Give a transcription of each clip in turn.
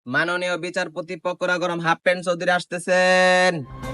মাননীয় বিচারপতি পকোড়া গরম হাফ প্যান্ট চৌধুরী আসতেছেন।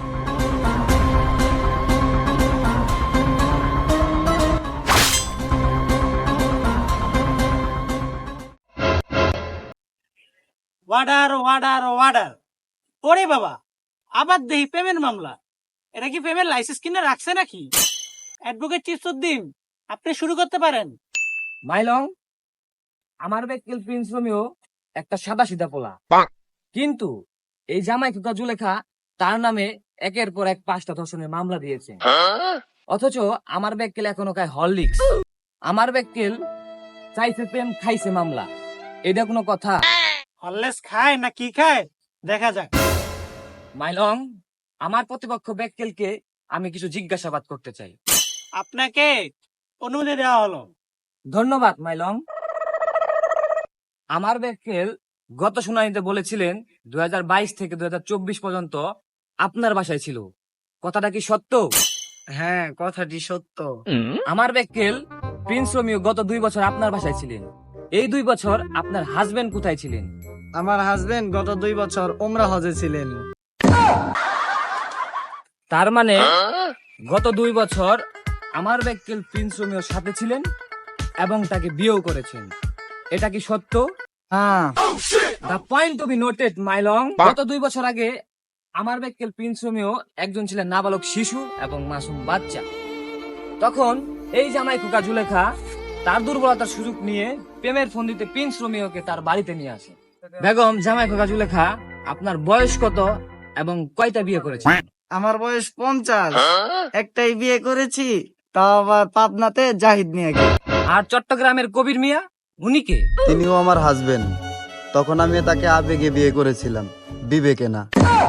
Order order order. ওরে বাবা, আবার দেহি পেমেন্ট মামলা। এটা কি পেমেন্ট লাইসেন্স কিনে রাখছে নাকি? অ্যাডভোকেট চিফসুদ্দিন, আপনি শুরু করতে পারেন। মাইলং, আমার বেক্কেল প্রিন্স রোমিও একটা সাদা সিধা পোলা, কিন্তু এই জামাই খোকা জুলেখা তার নামে একের পর এক 5টা ধর্ষণের মামলা দিয়েছে। অথচ আমার বেক্কেল এখনো খায় হরলিক্স। আমার বেক্কেল চাইছে প্রেম, খাইছে মামলা। এটা কোনো কথা? হরলেস খায় না কি খায় দেখা যাক। মাইলং, আমার প্রতিপক্ষ বেক্কেলকে আমি কিছু জিজ্ঞাসাবাদ করতে চাই। আপনাকে অনুমতি দেওয়া হলো। ধন্যবাদ মাইলং। আমার বেক্কেল গত শুনানিতে বলেছিলেন 2022 থেকে 2024 পর্যন্ত আপনার বাসায় ছিল। কথাটা কি সত্য? হ্যাঁ, কথাটি সত্য। আমার বেক্কেল প্রিন্স রোমিও গত 2 বছর আপনার বাসায় ছিলেন। এই 2 বছর আপনার হাজবেন্ড কোথায় ছিলেন? আমার হাজবেন্ড গত 2 বছর ওমরা হজে ছিলেন। তার মানে গত 2 বছর আমার বেক্কেল প্রিন্স রোমিওর সাথে ছিলেন এবং তাকে বিয়েও করেছেন। এটা কি সত্য? হ্যাঁ। The point to be noted my lord, গত 2 বছর আগে আমার বেক্কেল প্রিন্স রোমিও একজন ছিলেন নাবালক শিশু এবং মাসুম বাচ্চা। তখন এই জামাই খোকা জুলেখা তার দুর্বলতার সুযোগ নিয়ে প্রেমের ফন্দিতে প্রিন্স রোমিওকে তার বাড়িতে নিয়ে আসে। বেগম জামাই খোকা জুলেখা, আপনার বয়স কত এবং কয়টা বিয়ে করেছেন? আমার বয়স 50, একটাই বিয়ে করেছি, তাও আবার পাবনাতে জাহিদ মিয়াকে। আর চট্টগ্রামের কবির মিয়া, উনি কে? তিনিও আমার হাজবেন্ড। তখন আমি তাকে আবেগে বিয়ে করেছিলাম, বিবেকে না।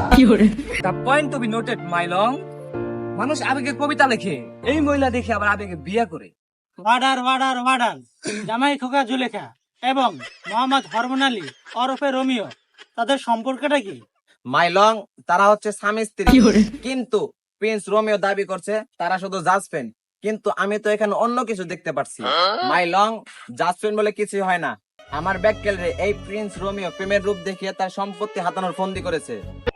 The point to be noted my lord, মানুষ আবেগে কবিতা লেখে, এই মহিলা দেখে আবার আবেগে বিয়ে করে। Order order order. জামাই খোকা জুলেখা এবং মোহাম্মদ হরমোন আলী ওরফে রোমিও, তাদের সম্পর্কটা কি? মাইলং, তারা হচ্ছে স্বামী স্ত্রী, কিন্তু প্রিন্স রোমিও দাবি করছে তারা শুধু জাজমেন্ট, কিন্তু আমি তো এখানে অন্য কিছু দেখতে পাচ্ছি। মাইলং, জাজমেন্ট বলে কিছু হয় না। আমার ব্যাককেল রে এই প্রিন্স রোমিও প্রেমের রূপ দেখিয়ে তার সম্পত্তি হাতানোর ফন্দি করেছে।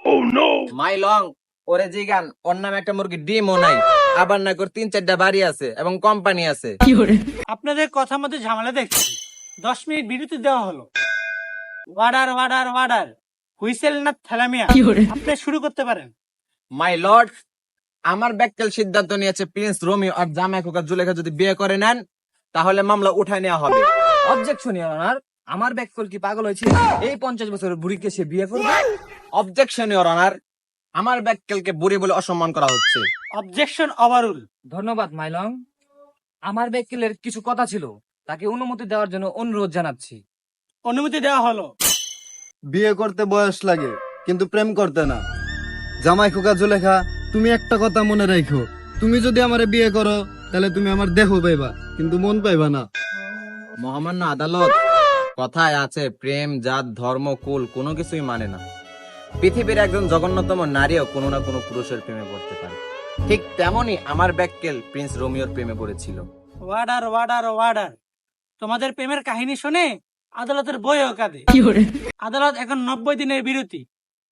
মাইলং, ওরে জিগান, ওর নামে একটা মুরগি ডিমও নাই, আবার না করে 3-4টা বাড়ি আছে এবং কোম্পানি আছে। আপনাদের কথা মধ্যে ঝামেলা দেখছি। 10 মিনিট বিরতি দেওয়া হলো। Order order order. হুইসেল না থ্যালামিয়া, আপনি শুরু করতে পারেন। মাই লর্ড, আমার ব্যাককেল সিদ্ধান্ত নিয়েছে প্রিন্স রোমিও আর জামাই খোকা জুলেখা যদি বিয়ে করে নেন তাহলে মামলা উঠায় নেওয়া হবে। অবজেকশন ইওর অনার, আমার ব্যাককেল কি পাগল হয়েছে? এই 50 বছরের বুড়িকে সে বিয়ে করবে? অবজেকশন ইওর অনার, আমার ব্যাককেলকে বুড়ি বলে অসম্মান করা হচ্ছে। Objection overrule. ধন্যবাদ মাইলং। আমার ব্যাককেলের কিছু কথা ছিল, তাকে অনুমতি দেওয়ার জন্য অনুরোধ জানাচ্ছি। অনুমতি দেওয়া হলো। বিয়ে করতে বয়স লাগে, কিন্তু প্রেম করতে না। জামাই খোকা জুলেখা, তুমি একটা কথা মনে রাখো, তুমি যদি আমারে বিয়ে করো তাহলে তুমি আমার দেহ পাইবা, কিন্তু মন পাইবা না। মহামান্য আদালত, কথায় আছে প্রেম জাত ধর্ম কুল কোনো কিছুই মানে না। পৃথিবীর একজন জঘন্যতম নারীও কোনো না কোনো পুরুষের প্রেমে পড়তে পারে। ঠিক তেমনই আমার ব্যাককেল প্রিন্স রোমিওর প্রেমে পড়েছিল। Order order order. তোমাদের প্রেমের কাহিনী শুনে আদালতের বইও কাঁদে। আদালত এখন 90 দিনের বিরতি।